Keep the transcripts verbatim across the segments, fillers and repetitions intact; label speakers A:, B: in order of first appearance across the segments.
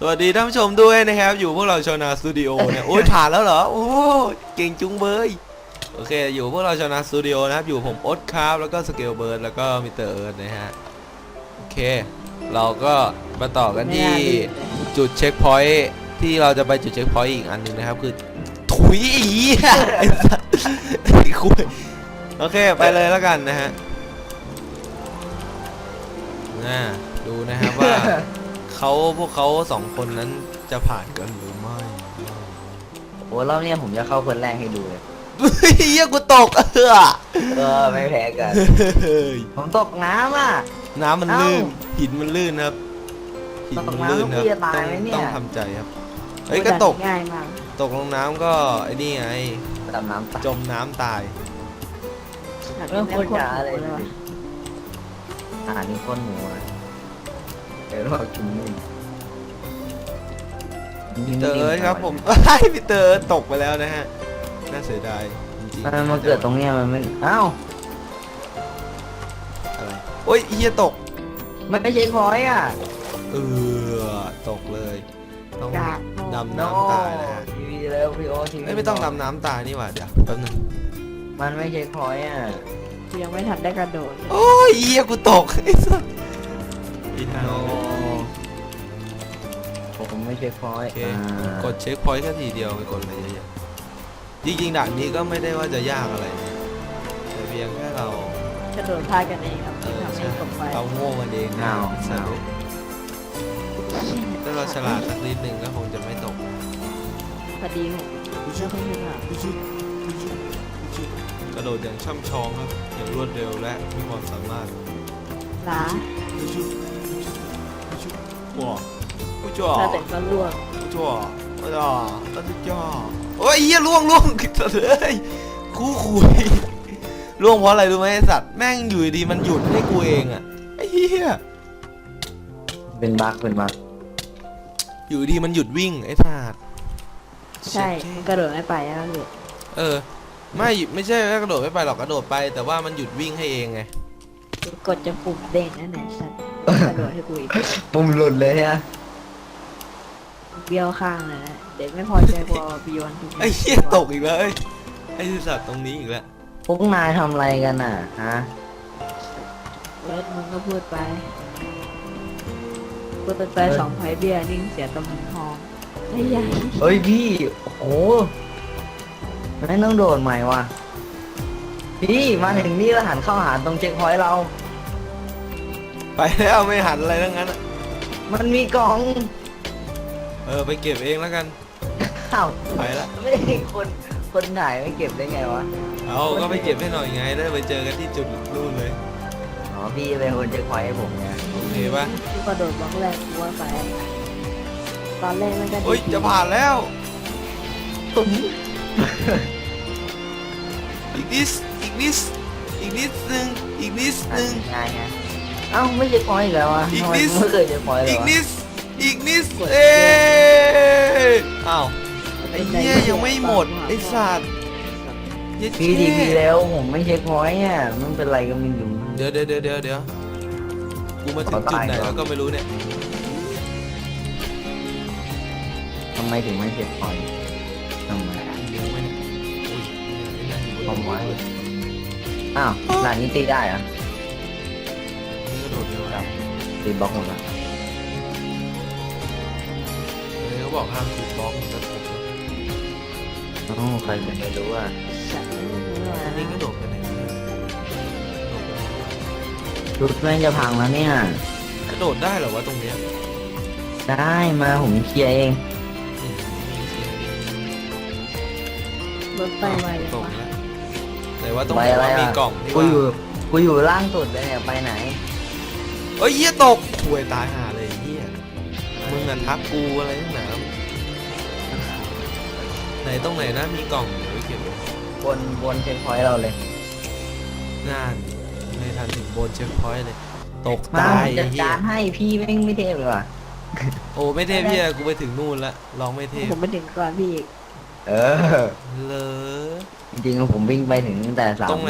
A: วัสดีท่านผู้ชมด้วยนะครับอยู่พวกเราชาวนาสตูดิโอเนี่ยโอ้ยผ่านแล้วเหรอโอ้เก่งจุงเบยโอเคอยู่พวกเราชาวนาสตูดิโอนะครับอยู่ผมโอ๊ตครับแล้วก็สเกลเบิร์ดแล้วก็มิสเตอร์เอิร์ธนะฮะโอเคเราก็มาต่อกันที่จุดเช็คพอยท์ที่เราจะไปจุดเช็คพอยท์อีกอันหนึ่งนะครับคือถุยอีไอ้สัสคุยโอเคไปเลยแล้วกันนะฮะน่าดูนะครับว่าเขาพวกเขาสองคนนั้นจะผ่านกันหรือไม่
B: โอ้รอบนี้ผมจะเข้าคนแรกให้ดูเลย
A: เฮียกูตกเออ
B: เออไม่แพ้กัน ผมตกน้ำอ่ะ
A: น้ำมันลื่นหินมันลื่นครับหินมันลื่นครับ
B: ตกน้ำแล้วกูจะตาย
A: ต้อง
B: ไหมเนี่ย
A: ต้องทำใจครับเฮ้ยก็ตก
C: ง่ายมาก
A: ตกลงน้ำก็ไอ้นี่ไง
B: ดำน้ำตาย
A: จมน้ำตาย
B: เรื่องคนจ๋าเลยอาหารนี่คนหมูอ่ะเดี๋ยวเรากินนี่
A: พีเตอร์เอิร์ธครับผมไอ้พีเตอร์เอิร์ธตกไปแล้วนะฮะน่าเสียดายจริง
B: มันมาเกิดตรงเนี้ยมันไม่อ้าว
A: อะไรโอ้ยเฮียตก
B: มันไม่ใช่พอยอ่ะ
A: เออตกเลยต้อง
C: กาก
A: ดำน้ำตายนะฮะ
B: ทีวีแล้วพี่โอทีวี
A: เอ้ยไม่ต้องดำน้ำตายนี่หว่าเดี๋ยวแป๊บนึง
B: มันไม่ใช่พอยอ่ะ
C: กูยังไม่ทันได้กระโดดเลย
A: โอ้ยเฮียกูตกไอ้สัสอีทา
B: โนผมไม่ใช่พอย
A: โอเคกดเช็คพอยต์แค่ทีเดียวไปกดอะไรเยอะๆจริงๆด่านนี้ก็ไม่ได้ว่าจะยากอะไรนะแต่เพียงแค่เรา
C: กระโดดพลาดกันเองครับ
A: เอ
C: ที่
A: อ
C: ทำให้
A: ใช่
C: ตกไป
A: เราโง่กันเองนะ
B: เงา
A: ใช่
B: เงา
A: ถ้าเราฉลาดสักนิดนึงก็คงจะไม่ตก
C: พอดีผมไม่ค่อยถนัด
A: กระโดดอย่างช่ำชองครับอย่างรวดเร็วและมีความสามารถ
C: ล้า
A: ว้าวผู้จ่อ
C: ถ้าแต่ก็ล่วง
A: ผู้จ่อผู้จ่อผู้จ่อโอ้ยเฮียล่วงล่วงสัตว์เลยคู่คุยล่วงเพราะอะไรรู้ไหมไอ้สัตว์แม่งอยู่ดีมันหยุดให้กูเองอ่ะไอ้เหี้ย
B: เป็นบั๊กเป็นบั๊ก
A: อยู่ดีมันหยุดวิ่งไอ้สัตว์
C: ใช่มันกระโดดไม่ไปแล้วพี่
A: เออไม่ไม่ใช่ว่ากระโดดไม่ไปหรอกกระโดดไป แต่ว่ามันหยุดวิ่งให้เองไง
C: กดจะปุ่มเด้งนั่นแหละสัตว์กระโดดให้กูอีก
B: ปุ่มหลุดเลยฮะ
C: เบี้ยวข้างเลยนะเด็กไม่พอใจพอบิยอนทุก
A: ไอ้เหี้ยตกอีกแล้วไอ้ไอ้สัตว์ตรงนี้อีกแล้ว
B: พวกนายทำอะไรกันอ่ะฮะ
C: เอิร์ธมึงก็พูดไปพูดไปสองไพ่เบี้ยนิ่งเสียตำแหน่งทองไอ้ยัย
B: เฮ้ยพี่โอ้โหไม่ต้องโดดใหม่ว่ะพี่มาถึงนี่แล้วหันเข้าหาตรงเช็คพอยต์เรา
A: ไปแล้วไม่หันอะไรทั้งนั้นอะ
B: มันมีกล่อง
A: เออไปเก็บเองแล้วกัน
B: อ้าว
A: ไปละ
B: ไม่ได้คนคนถ่ายไม่เก็บได้ไงวะ
A: เอาก็ไปเก็บให้หน่อยไงได้ไปเจอกันที่จุดนู่นเลย
B: อ๋อพี่เป็นคนเช็คพอยต์ให้ผมไง
A: โอเคปะ
C: กูกระโดดบล็อกแรกกูว่าไปตอนแรกมันก็ดี
A: เฮ้ยจะผ่านแล้วอีกนิดอีกนิดอีกนิดนึงอีกนิดนึง
B: ง่ายไงเอ้าไม่เช็คพอยต์อีกแล้ววะ
A: อีก
B: ทำไม
A: นิด
B: ไม่เคยเช็คพอยต์เล
A: อี
B: ย
A: ก
B: วะ
A: นิดอีกนิดเอ้ยอ้าวไอ้เหี้ยยังไม่หมดไอ้สัตว์เย็ด
B: พี่ดี
A: เท่
B: พี่แล้วผมไม่เช็คพอยต์อ่ะมันเป็นไรก็ไม่รู้
A: เดี๋ยวเดี๋ยวเดี๋ยวเดี๋ยวเดี๋ยวกูมาถึงจุดไหนแล้วก็ไม่รู้เนี่ย
B: ทำไมถึงไม่เช็คพอยต์ทำไม
A: เดี๋ยวไม่เนี่ยอุ้ยเนี่ยไอ้นั่นอยู่บน
B: ผมไว้
A: เลย
B: อ้าวด่านนี้ตีได้เหรอ
A: นี่กระโดดเร็วครับ
B: ตีบล็อกหมดแล้ว
A: เลยเขาบอกห้ามถูกบล็อกมันก็ถูก
B: อ๋อใครจะไม่รู้อ่ะ
C: สัตว์ไม่รู้ว่า
A: อันนี้กระโดดไปไหนเนี่ยกระโดดไปไหน
B: รุดแม่งจะพังแล้วเนี่ย
A: กระโดดได้เหรอวะตรงเนี้ย
B: ได้มาผมเคลียร์เอง
A: อืม
C: รถไปไว
A: ต
C: จั
A: ก
C: งวะ
A: แล้วแต่ว่าตรง
B: ไป
A: ไหน
B: อะไร
A: ว่า
B: อ่ะ
A: มีกล่องที่
B: กู
A: ว่า
B: อยู่กูอยู่ล่างสุดเลยเนี่ยไปไหน
A: เอ้ยเหี้ยตกห่วยตายห่าเลยไอ้เหี้ยมึงอ่ะทักกูอะไรทั้งหนาไหนตรงไหนนะมีกล่องเดี๋ยวไปเก็บไว้
B: บนบนเช็คพอยต์เราเลย
A: น่านไม่ทันถึงบนเช็คพอยต์เลย ตก
B: มา
A: ตาย
B: ผมจั
A: ไอ้
B: ด
A: เหี้ย
B: การให้พี่แม่งไม่เทพเลยว่ะ
A: โอ้ไม่เทพเหี้ยกูไปถึงนู่นละลองไม่เทพ
C: ผมไปถึงก่อนพี่อีก
B: เออ
A: เลย
B: จริงๆผมวิ่งไปถึงตั้งแต่สาม
A: ตรงไหน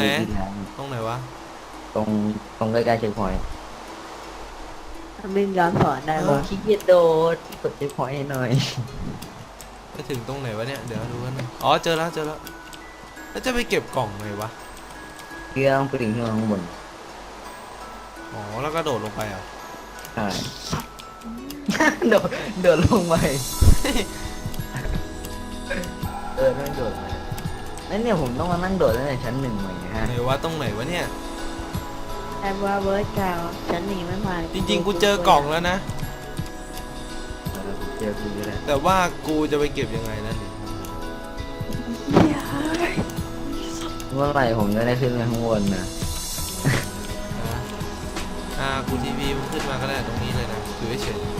B: วิที่แล้ว
A: ตรงไหนวะ
B: ตรงตรงใกล้ๆเช็คพอยต์
A: ตรงไหนวะ
C: ตรงไหน
A: ตรงไหนวะ
C: ตรงไหนบินย้อนสอนได้
B: ผม
C: ปะ
B: ขี้เกียจโดดกดเช็คพอยต์ให้หน่อย
A: ไปถึงตรงไหนวะเนี่ยเดี๋ยวดูกันหน่อยอ๋อเจอแล้วเจอแล้วแล้วจะไปเก็บกล่องไงวะ
B: เครื่องไปถึงข้างบน
A: อ๋อแล้วก็โดดลงไปอ่ะ
B: ใช่ โดดโดดลงไปเออนั่งโดดมานั่นเนี่ยผมต้องมานั่งโดดตั้งแต่ชั้นหนึ่งใหม่นะฮะ
A: ไหนวะตรงไหนวะเนี่ย
C: แต่ว่าเบิร์ดกาวฉันหนีไม่ผ่าน
A: จริงๆกูเจอกล่องแล้วนะ
B: เออผมเจอคุณก็ได้
A: แต่ว่ากูจะไปเก็บยังไงนั่นดิ
B: เมื่อไหร่ผมจะได้ขึ้นไปข้างบนนะ
A: อ่ะอ่ากูทีวีมันขึ้นมาก็ได้ตรงนี้เลยนะอยู่เฉย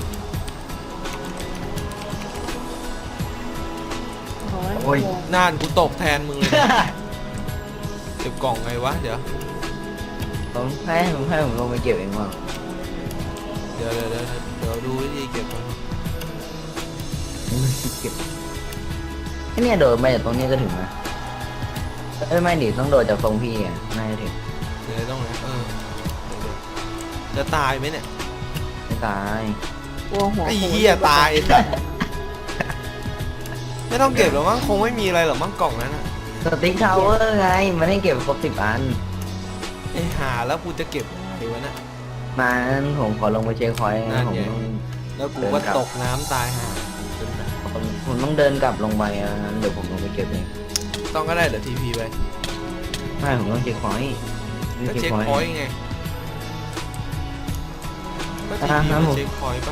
C: โอ้ย
A: ๆน่านกูตกแทนมึงเลยนะเก็บกล่องไงวะเดี๋ยว
B: ผมให้ผมให้ผมลงไปเก็บเองว่า
A: เดี๋ยวเดี๋ยวเดี๋ยวเดี๋ยวดูวิธีเก็บก่อน
B: เก็บไอ้เนี่ยโดดไปจากตรงนี้ก็ถึงนะเอ้ยไม่ดิต้องโดดจากตรงพี่อ่ะน่าจะถึง
A: เดี๋ยวต้องไหนเออเดี๋ยวเดี๋ยวจะตายไหมเนี่ย
B: ไม่ตาย
C: กลัวหัว
A: ไอ้เหี้ยตายไอ้สัสไม่ต้องเก็บหรอกมั้งคงไม่มีอะไรหรอกมั้งกล่องนั้นนะ
B: สติ๊กทาวเวอร์ไงมันให้เก็บครบสิบอัน
A: ไอ้หาแล้วกูจะเก็บอะไรวะน่ะ
B: มางั้นผมขอลงไปเช็คพอยต์
A: นั่
B: นะ
A: น
B: ผม
A: ไง
B: ต้อง
A: แล้วกูก็ตกน้ำตายหาเป็นแบบ
B: ผมผมต้องเดินกลับลงไปอ่ะงั้นเดี๋ยวผมลงไปเก็บเอง
A: ต้องก็ได้เดี๋ยวทีพีไป
B: ไม่ผมต้องเช็คพอยต์
A: ก็เช็คพอยต์ไงก็ที
B: อ่า
A: พี
B: ครับ
A: มัน
B: ผม
A: เช็คพอยต์ปะ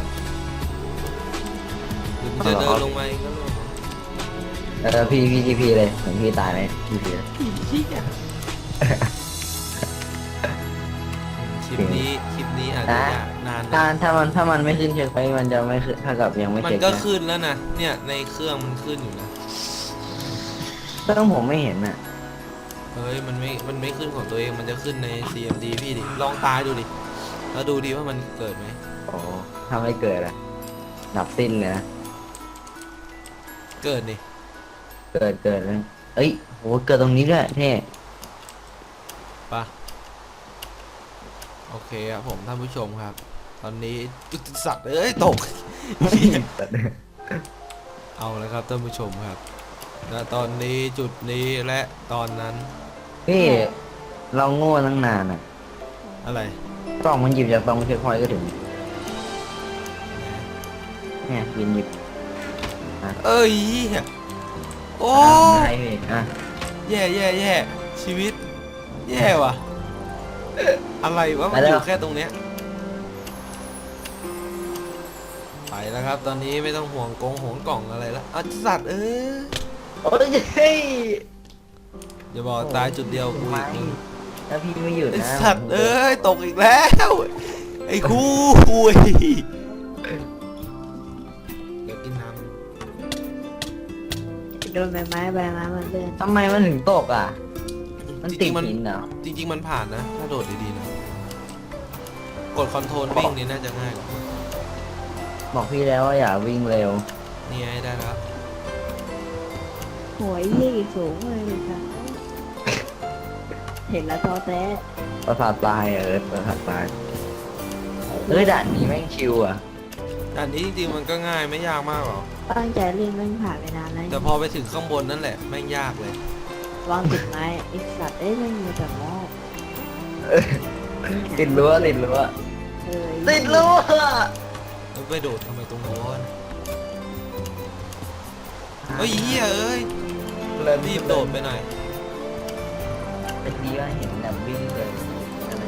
A: หรือมึงจะเดินลงมาเองก็ลง
B: เออพี่พี่ทีพีเลยเหมือนพี่ตายไหมทีพี
A: คลิปนี้คลิปนี้อาจจะยากนาน
B: ถ้า
A: นะ
B: ถ้ามันถ้ามันไม่ขึ้นเช็คพอยต์มันจะไม่ขึ้นถ้ากับยังไม่
A: มัน
B: เช็ค
A: ก็
B: นะ
A: ขึ้นแล้วนะเนี่ยในเครื่องมันขึ้นอยู่นะ
B: เครื่องผมไม่เห็นอ่ะ
A: เฮ้ยมันไม่มันไม่ขึ้นของตัวเองมันจะขึ้นใน ซี เอ็ม ดี พี่ดิลองตายดูดิแล้วดูดิว่ามันเกิดไหม
B: โอ้ถ้าไม่เกิดอ่ะดับสิ้นเลยนะ
A: เกิดนี่
B: เกิดเกิดเลยเอ้ยโหเกิดตรงนี้ด้วยเท่
A: ปะโอเคครับผมท่านผู้ชมครับ ตอนนี้อุ๊ยสัตว์เอ้ยตก เอาแล้วครับท่านผู้ชมครับณตอนนี้จุดนี้และตอนนั้น
B: พี่เราโง่ตั้งนานอ่ะ
A: อะไร
B: กล้องมันหยิบจากตรงเช็คพอยต์ก็ถึงเนี่ยยินหยิบ
A: เอ้ยโอ้
B: ใช่พี่อ่ะ
A: แย่แย่แย่ชีวิต แย่ว่ะ อะไรวะมันอยู่แค่ตรงเนี้ยไปแล้วครับ ตอนนี้ไม่ต้องห่วงกงห่วงกล่องอะไรแล้วอ่ะสัตว์เอ้ย
B: โอ้ยเฮ้ย
A: อย่าบอกตายจุดเดียวกูอีกมึง
B: ถ้าพี่ไม่หยุด
A: ไอ
B: นะ
A: สัตว์เอ้ยตกอีกแล้ว ไอ้คู่คุยเดี๋ยวกินน้
C: โดนใบไม้ใบไม้มันเลื่อน
B: ทำไมมันถึงตกอ่ะ
A: ำ
B: มัน
A: จ
B: ติ
A: ริ
B: ด
A: งๆมัน
B: หินเหรอ
A: จริง ๆ มันผ่านนะ ถ้าโดดดีๆนะ กดคอนโทรลวิ่งนี่น่าจะง่ายกว่า
B: บอกพี่แล้วว่าอย่าวิ่งเร็ว
A: นี่ไงได้แล้ว
C: โหยยี่สูงเลยค่ะเห็นแล้วท้อแท้
B: ประสาทตายเออประสาทตายเอ้ยด่านนี้แม่งชิวอ่ะ
A: อันนี้จริงๆมันก็ง่ายไม่ยากมากหรอก
C: ตั้งใจเล่นแม่งผ่านไปนานแล้ว
A: แต่พอไปถึงข้างบนนั่นแหละแม่งยากเลย
C: วางติดไม้ไอ้สัตว์เอ้ยไม่มีแต่หม้อ
B: ติดรั้วติดรั้ว
C: เออ
B: ติดรั้ว
A: แล้วไปโดดทำไมตรงโน้นเฮ้ยเฮียเอ้ยรีบโดดไปหน่อย
B: เป็นดีว่าเห็นแบบวิ่งเลยอะไร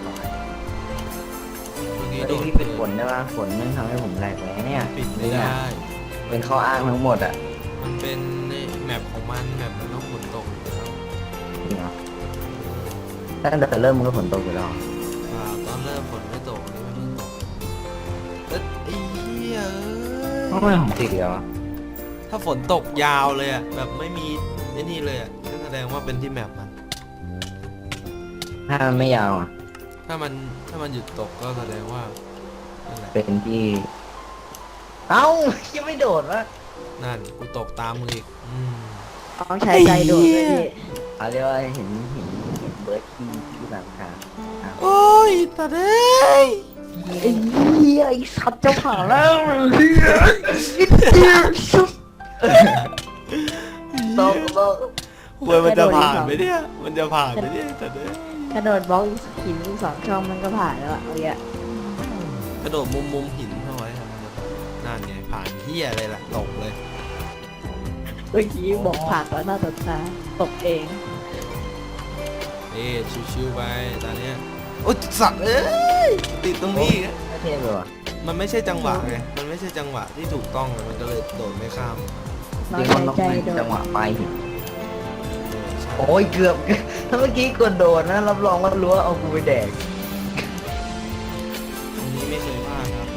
A: เมื่อกี้
B: เฮ้ย
A: โดด
B: พี่ปิดฝนได้ป่ะฝนมันทำให้ผมแหลกแล้วเนี่ย
A: ปิดไม่ได้
B: เป็นข้ออ้างทั้งหมดอ่ะ
A: มันเป็นแมปของมันแมปมันต้องฝนตกอยู่แล้ว
B: จริงเหรอตั้งแต่เริ่มมันก็ฝนตกอยู่แล้ว
A: อ่าตอนเริ่มฝนไม่ตกอันนี่ไม่เพิ่งตกแล้วไอ้เหี้ยเอ้
B: ทำไม
A: ย
B: ผมติดเหรอ
A: ถ้าฝนตกยาวเลยอ่ะแบบไม่มีไอ้นี่เลยอ่ะก็แสดงว่าเป็นที่แมปมัน
B: ถ้ามันไม่ยาวอ่ะ
A: ถ้ามันถ้ามันหยุดตกก็แสดงว่านั่นแหละ
B: เป็นที่ เอ้ายังไม่โดดวะ
A: นั่นกูตกตามมืออีกอืม
C: ต้องใช้ใจโดดเลยพี่
B: เขาเรียกว่าเห็นเห็นเห็นเบิร์ดที่ที่หลังคา
A: โอ้ยตาเด้ย
B: ไอ้เหี้ยไอ้สัตว์จะผ่านแล้วตกตก
A: ควยมันจะผ่านไหมเนี่ยมันจะผ่านไหมเนี่ยแต่เด้อก
C: ระโดดบล็อกหินอีกสองช่องมันก็ผ่านแล้วอะเอาเงี้ย
A: กระโดดมุมมุมหินเข้าไว้ครับนั่นไงผ่านเฮียอะไรล่ะตกเลย
C: เมื่อกี้บอกผ่านต่อหน้าต่อตาตกเอง
A: เอ๊ชิวๆไปตอนเนี้ยโอ้ยสัตว์เอ้ยติดตรงนี้อีกอะ
B: ไม่เท่เลยว่ะ
A: มันไม่ใช่จังหวะไงมันไม่ใช่จังหวะที่ถูกต้องไงมันก็เลยโดดไม่ข้าม
C: น้อ
B: จริ
C: ย
B: งมันต้อง
C: ใจ
B: เป็น
C: โดน
B: จังหวะไปหินโอ้ยเกือบถ้าเมื่อกี้กดโดดนะรับรองว่ารู้ว่าเอากูไปแดก
A: ตรงนี้ไม่เคยพลาดครับ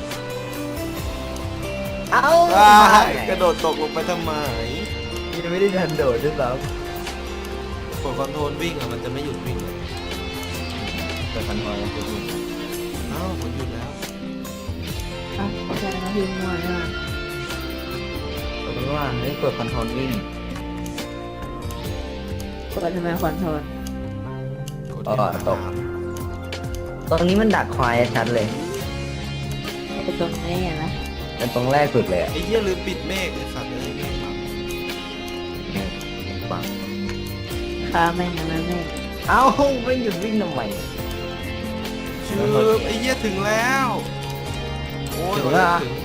B: เอ้า
A: อ้า
B: พลาด
A: ย
B: ไง
A: กระโดดตกลงไปทำไม
B: ยังไม่ได้ทันโดดด้วยซ้
A: กดคอนโทรลวิ่งอ่ะมันจะไม่หยุดวิ่งเลย
B: ำแต่มันพอจะพูด
A: เอ้าวผมหยุดแล้ว
C: อ่ะใช่นะพี่มัวนะ
B: สมมติว่าเฮ้ยกดคอนโทรลวิ่ง
C: กดทำไมคอนโทรล
A: กด
B: อ๋อตก ตรงนี้มันดักควายชัดเลย
C: ไอ้ตรงนี้ไงนะ
B: เป็นตรงแรกสุดเลยอะ
A: ไอ้เหี้ยลืมปิดเมฆไอ้สัตว์เลยเมฆบัง
B: บัง
C: ข้าแม่งนะแม่ง
B: เอ้าไม่หยุดวิ่งทำไม
A: ชืบไอ้เหี้ยถึงแล้วโอ้ย
B: ถึงแล้วเหรอ
A: ถึง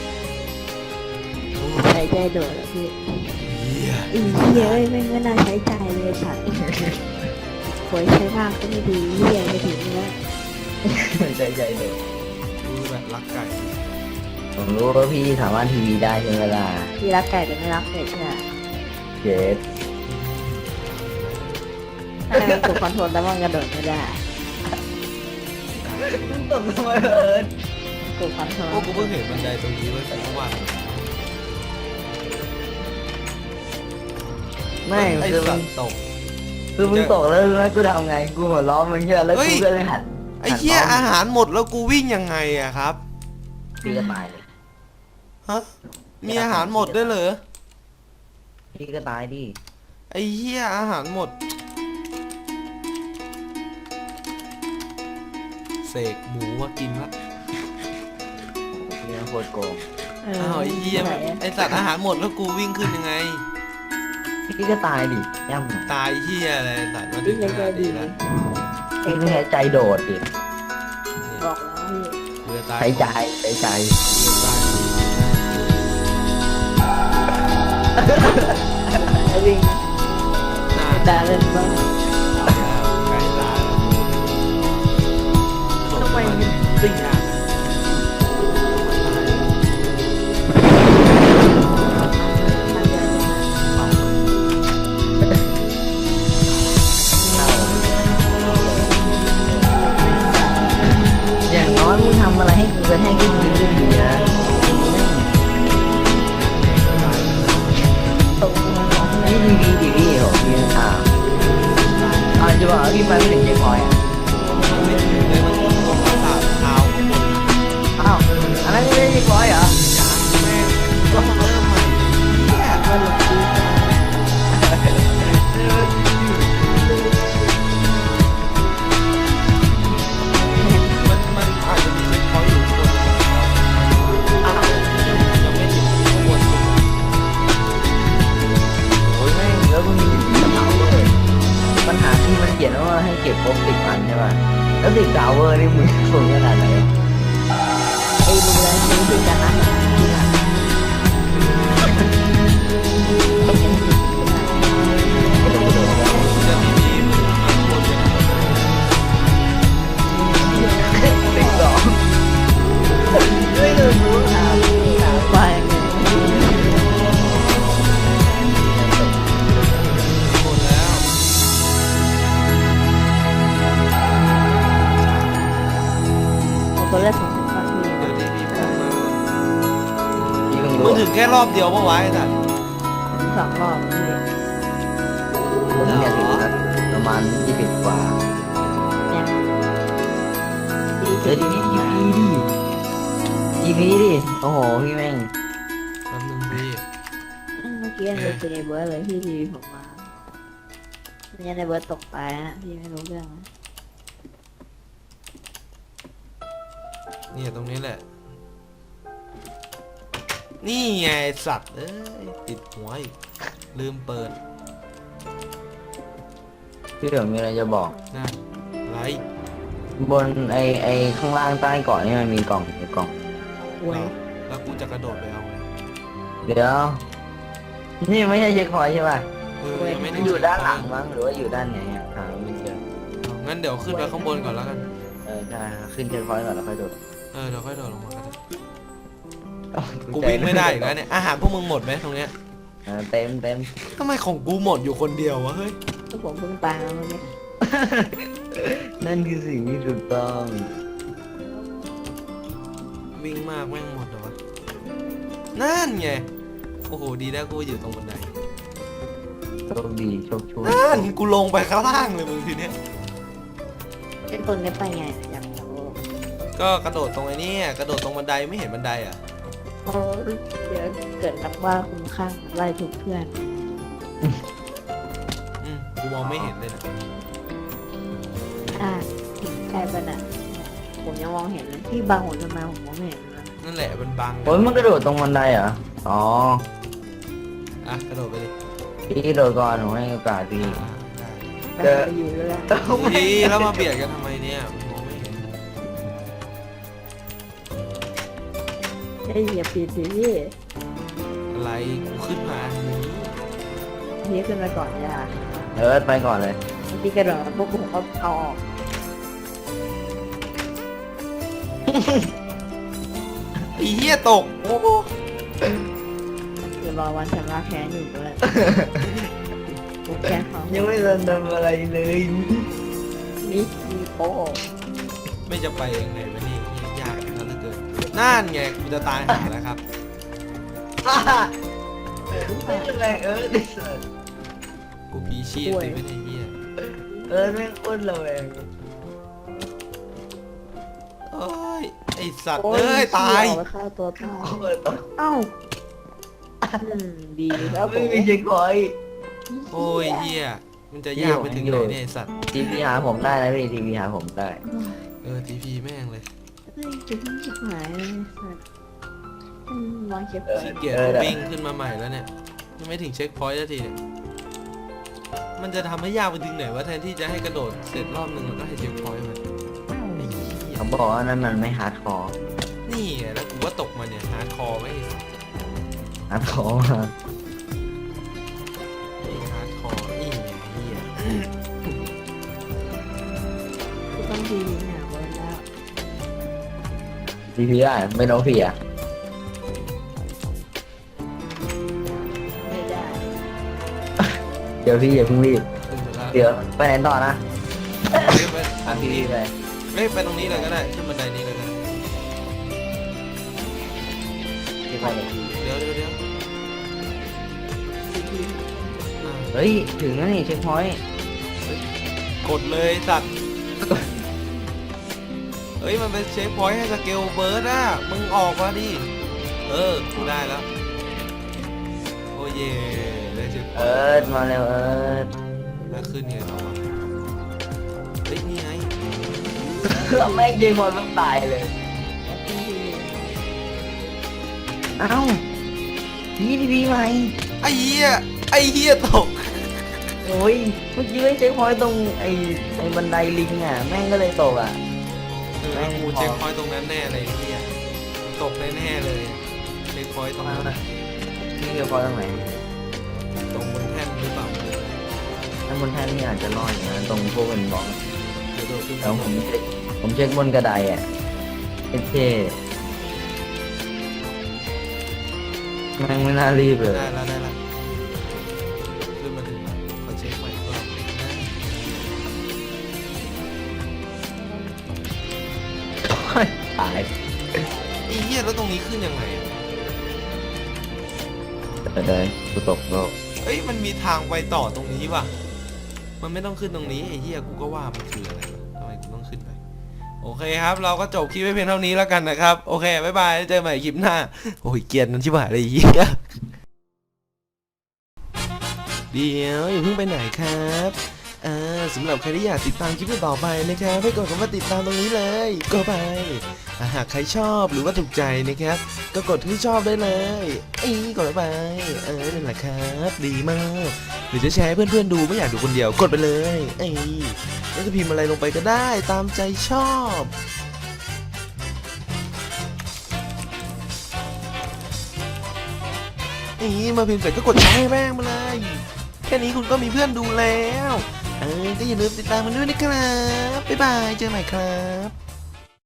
C: ใช้ใจโดดแล้วพี่
A: เหี้ย
C: อีเหี้ยเอ้ยไม่ไม่น่าใช้ใจเลยสัตว์โวยใช้มากก็ไม่ดีเหี้ยไม่ถึงแล้ว
B: ใจใจเลย
A: ดูแบบรักไก่
B: ผมรู้ว่าพี่สามารถทีวีได้ใช่ไหมล่ะ
C: พี่รักไก่แต่ไม่รักเป็ดใช่ไหม
B: เจ็ด
C: ถ้ามันถูกคอนโทรลแล้วมันกระโดดไม่ได้
B: มันตกทำไมเอิญ
C: ถูกคอนโทรล
A: โอ้กูเพิ่งเห็นบันไดตรงนี้เว้ยแต่เมื่อวาน
B: ไม่
A: ไอ้
B: คือ
A: สั
B: มัน
A: ตว์ตก
B: คือมึงตกแล้วแล้วกูทำไงกูหัวล้อมึงแค่แล้ว
A: เฮ้ย
B: กูก็เลยหัน
A: ไอ้เหี้ยอาหารหมดแล้วกูวิ่งยังไงอะครับ
B: พี่ก็ตายเลย
A: ฮะมีอาหารหมดด้วยเหรอ
B: พี่ก็ตายดิ
A: ไอ้เหี้ยอาหารหมดเสกหมูมากินละ
B: พี่โคตรโกง
C: เออ
A: อ้าวไอ้เหี้ย
C: ไหน
A: ไอ้สัตว์อาหารหมดแล้วกูวิ่งขึ้นยังไง
B: พี่ก็ตายดิย่ำ
A: ตายเหี้ยอะไรสัตว์มาถึ
C: พี่
A: ง
C: ใจ
A: ขนาด
C: ดี
A: นี้แล้ว
B: พี่ไม่ใช้ใจโดดดิ
C: บอกแล้วพี่
A: เรือตาย
B: ใช้ใจใช้ใจ
A: เรือตาย
C: ไอ้วิ่ง
A: หน้า
C: ด่าเล่นบ้าง
A: ตายแล้วใกล้ตายแล้ว
B: ทำไมมันติด
A: ยากตายแล้ว
B: อย่างน้อยมึงทำอะไรให้กูกระแทกขึ้นพื้นก็ดีนะนี่ทีวีทีวีโหพี่อ่าอ่าจะบอกว่าพี่ไปไม่ถึงเจ๊พอยอ่ะ
A: ไม่ถึงเลยมันตรงประสาทเท้าข้างบน
B: อ้าวอันนั้นไม่ได้เจ๊พอยเหรอ
A: แม่งต้องเริ่มใหม่เหี้ย
C: ก็หลงดี
A: มันมันอาจจะมีเช็คพอยต์อยู่ข้างบนอ้าวยังไม่ถึงข้างบนสุด
B: โอ้ยแม่งแล้วมึงมีกระเป๋าเลยปัญหาที่มันเขียนว่าให้เก็บครบสิบอันใช่ป่ะแล้วติดดาวเวอร์นี่มึงสูงขนาดไหน
C: ไอ้ดูแลนี่คือการนั่งที่หลัง
A: จะมีทีมข้างบนเป็น
B: ติดสองไม่เลยรู้ครับ
C: ไปไง
A: หมดแล้ว
C: ผมก็เลือกสองคนก่อนพี่
A: เดี๋ยวทีพีพูดมา
B: พี่เพิ่ง
A: มึ
B: รู้
A: งถึงแค่รอบเดียวปะวะไอ้สัตว์
C: ถึงสองรอบพี่
B: ผมเนี่ยถึงประมาณยี่สิบกว่า
C: เนี่ย
B: เจอดีดีดีดีดีดีดิโอ้โหพี่แม่ง
A: แป๊บนึงพี่
C: เมื่อกี้เลยเจอในเบิร์ดเลยพี่ทีวีผมมาเนี่ยในเบิร์ดตกไปฮะพี่ไม่รู้เรื่องนะ
A: เนี่ยตรงนี้แหละ นี่ไงสัตว์เอ้ยติดหัวอีกลืมเปิด
B: พี่เดี๋ยวมีอะไรจะบอก
A: นะอะไร
B: บนไอไอข้างล่างใต้เกาะนี่มันมีกล่องมีกล่อง
C: โว้ย
A: แล้วกูจะกระโดดไปเอาไง
B: เดี๋ยว นี่ไม่ใช่เช็คพอยต์ใช่ป่ะ
A: เออยังไม่
B: มั
A: ได้
B: นอยู่ด้านหลังมั้งหรือว่าอยู่ด้านไหนอ่ะหาไม่เจอ
A: เอางั้นเดี๋ยวขึ้นไปข้างบนก่อนแล้วกัน
B: เออใช่ขึ้นเช็คพอยต์ก่อนแล้วค่อยโดด
A: เออเดี๋ยวค่อยโดดลงมาก็ได้กูวิ่งไม่ได้อีกแล้วเนี่ยอาหารพวกมึงหมดไหมตรงเนี้ย
B: เออเต็มเต็ม
A: ทำไมของกูหมดอยู่คนเดียววะเฮ้ย
C: ก็ผมเพิ่งตายมาเนี่ย
B: นั่นคือสิ่งที่ถูกต้อง
A: วิ่งมากแม่งหมดเหรอวะนั่นไงโอ้โหดีแล้วกูอยู่ตรงบันได
B: โชคดีโชคช่วย
A: นั่นกูลงไปข้างล่างเลยมึงทีเนี้ย
C: ไอ้คนนี้ไปไงอยากรู้
A: ก็กระโดดตรงไอ้นี่กระโดดตรงบันไดไม่เห็นบันไดอ่ะ
C: เพราะเดี๋ยวเกิดนับว่าคุ้มข้างไล่ทุกเพื่อน
A: อืมกูมองไม่เห็นเลยนะ
C: อ่าใช่ปะน่ะผมยังมองเห็นเลยที่บางหัวจะมาผมมองไม่เห็นเลย
A: นั่นแหละมันบัง
B: โอ้ยมันกระโดดตรงบันไดเหรออ๋อ
A: อ่ะกระโดดไปดิ
B: พี่โดดก่อนหนูให้โอกาสพี่
A: อ่าได้
C: แต่ไปอยู่เลยอะ
A: ดีแล้วมาเบียดกันทำไมเนี่ยมองไม่เห็น
C: ได้เหยียบปีดีพี่
A: อะไรกูขึ้นมาอันนี้
C: พี่ขึ้นมาก่อนอย่า
B: เอิร์ธไปก่อนเลย
C: บางทีกระโดดพวกผมก็เอาออก
A: ไอ้เหี้ยตกโอ้โห
C: คือรอวันชำระแค้นอยู่ด้วยผมแค้นเขา
B: ยังไม่ทันทำอะไรเลย
C: นี่มีโป๊ะ
A: ไม่จะไปยังไงวะนี่ยากแล้วเหลือเกินนั่นไงกูจะตายหาแล้วครับ
B: ไม่เป็นไรเอิร์ธดิสัส
A: กูพีชีพเลยไม่ได้เหี้ย
B: เอิร์ธไม่งอ้วนเลย
A: เอ้ยไอสัตว์
C: โอ้
A: เอ้ยตาย
C: เอไปฆ่าตัวตาย
B: โอ้ย
C: เอ้าอืมดีแล้วผ
B: ไม่
C: ม
B: มีเช็คพอยต์
A: โอ้ยเหี้ยมันจะยากไปถึงไหนเนี่ยไอ้สัตว์
B: ทีพีหาผมได้นะพี่ทีพีหาผมได้
A: เออทีพีแม่งเลย
C: เฮ้ยจะทิ้งชิบหายเลยสัตว์อืมวางเก็บไว้
A: ขี้เกียจวิ่งขึ้นมาใหม่แล้วเนี่ยยังไม่ถึงเช็คพอยต์สักทีเนี่ยมันจะทำให้ยากไปถึงไหนวะแทนที่จะให้กระโดดเสร็จรอบหนึ่งแล้วก็ให้เช็คพอยต์มันไอ้เหี้ย
B: เขาบอกว่านั่นมันไม่ฮาร์ดคอร์
A: นี่ไงแล้วกูว่าตกมาเนี่ยฮาร์ดคอร์ไม่ไอ้สัตว์
B: ฮาร์ดคอร์
A: ไอ้ฮาร์ดคอร์นี่ไงเหี้ย
C: กูต้องดีหนาเวิร์นแล้ว
B: ทีพีได้ไม่น้องพี่อ่ะ
C: ไม่ได้
B: เดี๋ยวพี่อย่าเพิ่งรีบ
A: ขึ้นมาแล้ว
B: เดี๋ยวไปไหนต่อนะ
A: เฮ้ยไป
B: ตามพี่พี่ไป
A: เฮ้ยไปตรงนี้เลยก็ได้ขึ้นบันไดนี้เลยก็ได้
B: พี่ไปเลย
A: เดี๋ยวเดี๋ยวเดี๋ยวอ่า
B: เฮ้ยถึงแล้วนี่เช็คพอยต์
A: กดเลยสัตว์เฮ้ยมันเป็นเช็คพอยต์ให้สเกลเบิร์ดอ่ะมึงออกมาดิเออกูได้แล้วโอ้เย่ได้เช็คพ
B: เอิ
A: อย
B: ร์ธ
A: ต์
B: มาเร็วเอิร์ธ
A: แล้วขึ้นไงต่อวะเฮ้ยนี่ไง
B: แม่งยิงบอลต้องตายเลย เอ้าพี่ทีพีใหม่
A: ไอ้เหี้ยไอ้เหี้ยตก
B: โอ้ยเมื่อกี้ไม่เช็คพอยต์ตรงไอ้ไอ้บันไดลิงอ่ะแม่งก็เลยตกอ่ะ
A: เออกูเช็คพอยต์ตรงนั้นแน่เลยไอ้เหี้ยตกแน่ๆเลยเช็คพอยต์ตรงนั้น
B: นี่เช็คพอยต์ตรงไหน
A: ตรงบนแท่นหรือเปล่า
B: ถ้าบนแท่นนี่อาจจะรอดอยู่นะตรงพวกเป็นบล็อก
A: เดี๋ยวโดดขึ้น
B: แล้วผมเช็คผมเช็คบนกระไดอ่ะเท่ๆแม่งไม่น่ารีบเลย
A: ได้แล้วได้แล้วขึ้นมาถึงแล้วขอเช็คใหม่อีกรอบ
B: ตาย
A: ไอ้เหี้ยแล้วตรงนี้ขึ้นยังไงอะ
B: เดี๋ยวเดี๋ยวกูตกโลก
A: เอ้ยมันมีทางไปต่อตรงนี้ว่ะมันไม่ต้องขึ้นตรงนี้ไอ้เหี้ยกูก็ว่ามันคืออะไรวะทำไมกูต้องขึ้นไปโอเคครับเราก็จบคลิปไว้เพียงเท่านี้แล้วกันนะครับโอเคบ๊ายบายเจอกันใหม่คลิปหน้าโอ้ยเกลียดมันชิบหายเลยไอ้เหี้ยเดี๋ยวอย่าเพิ่งไปไหนครับอ่าสำหรับใครที่อยากติดตามคลิปต่อไปนะครับให้กดคำว่าติดตามตรงนี้เลยก็ไปอ่ะหากใครชอบหรือว่าถูกใจนะครับก็กดที่ชอบได้เลยอีกดไปเออนั่นแหละครับดีมากหรือจะแชร์ให้เพื่อนๆดูไม่อยากดูคนเดียวกดไปเลยไอ้แล้วจะพิมพ์อะไรลงไปก็ได้ตามใจชอบอีมาพิมพ์เสร็จก็กดแชร์ให้แม่งมาเลยแค่นี้คุณก็มีเพื่อนดูแล้วเออก็อย่าลืมติดตามมันด้วยนะครับบ๊ายบายเจอกันใหม่ครับ